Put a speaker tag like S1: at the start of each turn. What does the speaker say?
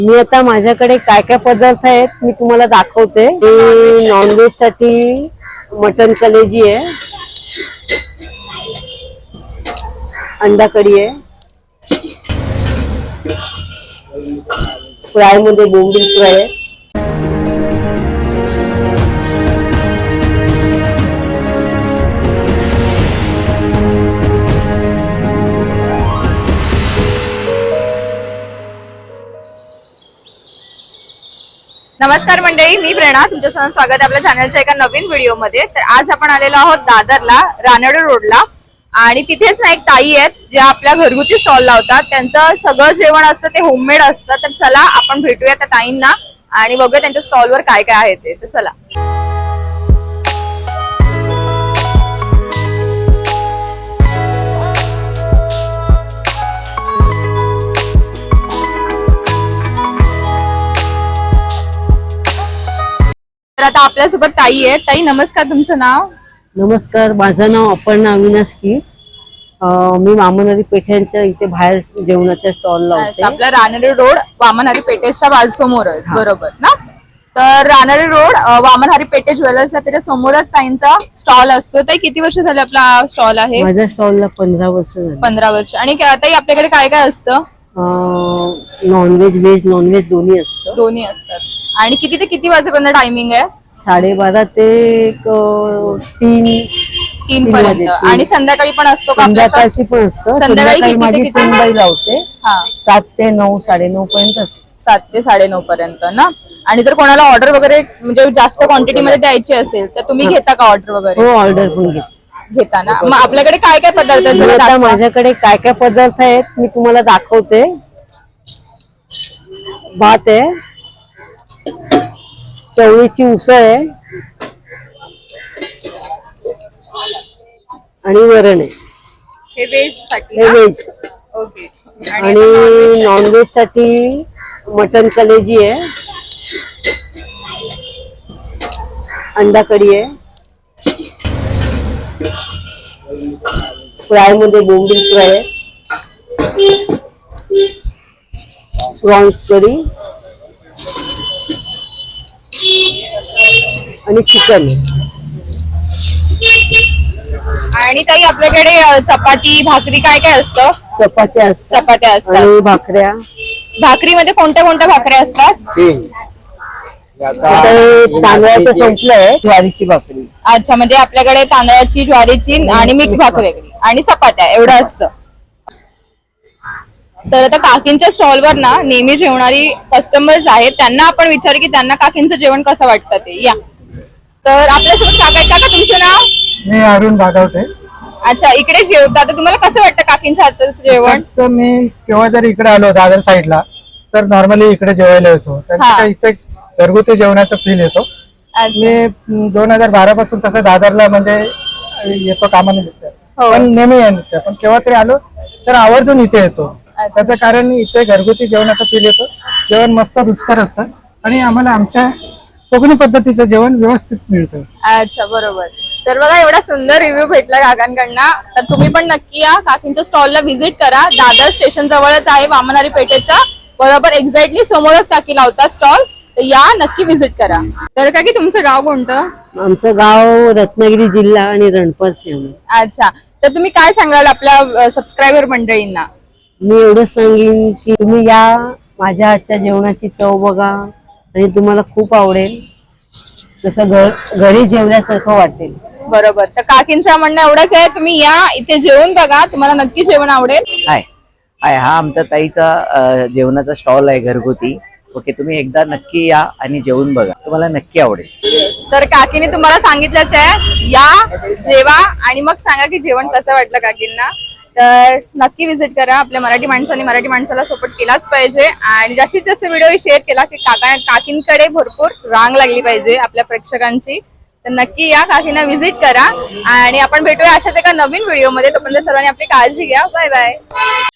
S1: मी आता माझ्याकडे काय काय पदार्थ आहेत मी तुम्हाला दाखवते। नॉनव्हेज साठी मटन कलेजी आहे, अंडा कढी आहे, फ्राय मध्ये बोंबील फ्राय आहे,
S2: नमस्कार मंडळी, मी प्रेरणा तुमचं स्वागत आहे आपल्या चॅनलच्या एका नवीन व्हिडिओ मध्ये। तर आज आपण आलेलो आहोत दादरला, रानडे रोडला, आणि तिथेच ना एक ताई आहेत ज्या आपल्या घरगुती स्टॉल लावतात। त्यांचं सगळं जेवण असतं ते होममेड असतं। तर चला आपण भेटूया त्या ताईंना आणि बघूया त्यांच्या स्टॉलवर काय काय आहे ते। तर चला। तर आता आपल्यासोबत ताई आहे। ताई नमस्कार, तुमचं नाव?
S1: नमस्कार, माझं नाव अपर्णा अविनाश की। मी वामनहरी पेठ्यांच्या इथे बाहेर जेवणाच्या स्टॉल लावते।
S2: आपला रानडे रोड वामनहरी पेठेच्या बाजूसमोरच, बरोबर ना? तर रानडे रोड वामनहरी पेठे ज्वेलर्स त्याच्या समोरच ताईंचा स्टॉल असतो। ताई किती वर्ष झाले आपला स्टॉल आहे?
S1: माझ्या स्टॉलला 15 वर्ष झाली।
S2: 15 वर्ष। आणि ताई आपल्याकडे काय काय असतं?
S1: नॉनव्हेज व्हेज नॉनव्हेज दोन्ही असतं।
S2: दोन्ही असतात। आणि किती ते किती वाजेपर्यंत टायमिंग आहे?
S1: 12:30 ते 3
S2: पर्यंत। आणि संध्याकाळी पण असतो का?
S1: संध्याकाळची पण असतं। संध्याकाळी माझी सूनबाई लावते। 7 ते 9 9:30 पर्यंत असते।
S2: 7 ते 9:30 पर्यंत ना? आणि जर कोणाला ऑर्डर वगैरे म्हणजे जास्त क्वांटिटी मध्ये द्यायची असेल तर तुम्ही घेता का ऑर्डर वगैरे?
S1: हो, ऑर्डर पण
S2: घेता ना? मग आपल्याकडे काय काय पदार्थ आहेत?
S1: आता माझ्याकडे काय काय पदार्थ आहेत मी तुम्हाला दाखवते। भात आहे, चवळीची उसळ आहे आणि वरण आहे।
S2: हे व्हेज साठी?
S1: हे व्हेज।
S2: ओके।
S1: आणि नॉनव्हेज साठी मटन कलेजी आहे, अंडा कढी आहे, फ्राय मध्ये बोंबील फ्राय आहे, प्रॉन्स करी आणि चिकन आहे।
S2: आणि ताई आपल्याकडे चपाती भाकरी काय काय असतं?
S1: चपात्या असतात,
S2: चपात्या असतात
S1: आणि भाकऱ्या।
S2: भाकरीमध्ये कोणत्या कोणत्या भाकऱ्या असतात?
S1: तांदळाचं संपलंय, ज्वारीची भाकरी।
S2: अच्छा, म्हणजे आपल्याकडे तांदळाची, ज्वारीची आणि मिक्स भाकरी आणि चपात्या एवढं असतं। तर आता काकींच्या स्टॉलवर ना नेहमी जेवणारी कस्टमर्स आहेत, त्यांना आपण विचारू की त्यांना काकींचं जेवण कसं वाटतं ते। या तर आपल्यासोबत काका आहेत। काका तुमचं नाव?
S3: मी अरुण भागवते।
S2: अच्छा, इकडे जेवता तर तुम्हाला कसं वाटतं काकींच्या हातचं जेवण?
S3: तर मी केव्हा जर इकडे आलो दादर साईडला तर नॉर्मली इकडे जेवायला येतो। त्यांच्या इथे घरगुती जेवणाचा फील येतो। मी 2012 पासून तसं दादरला म्हणजे येतो कामानिमित्त, पण नेहमी येतो, पण केव्हा तरी आलो तर आवर्जून इथे येतो। त्याचं कारण इथे घरगुती जेवणाचा फील येतो, जेवण मस्त रुचकर असतं आणि आम्हाला आमच्या कोकणी पद्धतीचं जेवण व्यवस्थित मिळतं।
S2: अच्छा, बरोबर। तर बघा एवढा सुंदर रिव्ह्यू भेटला काकांकडनं। तर तुम्ही पण नक्की या, काकींच्या स्टॉलला व्हिजिट करा। दादर स्टेशन जवळच आहे, वामनहरी पेठेच्या बरोबर एक्झॅक्टली समोरच काकी लावतात स्टॉल। तर या, नक्की व्हिजिट करा। तर काकी तुमचं गाव कोणतं?
S1: आमचं गाव रत्नागिरी जिल्हा आणि रणपार शहर।
S2: अच्छा, तर तुम्ही काय सांगाल आपल्या सबस्क्रायबर मंडळींना?
S1: मी एवढंच सांगेन की तुम्ही या, माझ्या हातच्या जेवणाची चव बघा आणि तुम्हाला खूप आवडेल, जसं घरी जेवल्यासारखं वाटेल।
S2: बरोबर। तर काकींचं म्हणणं एवढंच आहे, तुम्ही या, इथे जेवून बघा, तुम्हाला नक्की जेवण आवडेल।
S4: हाय हाय, हा आमचा ताईचा जेवणाचा स्टॉल आहे घरगुती। ओके, तुम्ही एकदा नक्की या आणि जेवून बघा, तुम्हाला नक्की आवडेल।
S2: तर काकीने तुम्हाला सांगितलंच आहे, या, जेवा आणि मग सांगा की जेवण कसं वाटलं काकींना। तर नक्की व्हिजिट करा। आपल्या मराठी माणसांनी मराठी माणसाला सपोर्ट केलाच पाहिजे आणि जास्तीत जास्त व्हिडिओ शेअर केला की काकींकडे भरपूर रांग लागली पाहिजे आपल्या प्रेक्षकांची। तर नक्की या, काकींना व्हिजिट करा आणि आपण भेटूया अशाच एका नवीन व्हिडिओ मध्ये। तोपर्यंत सर्वांनी आपली काळजी घ्या। Bye bye.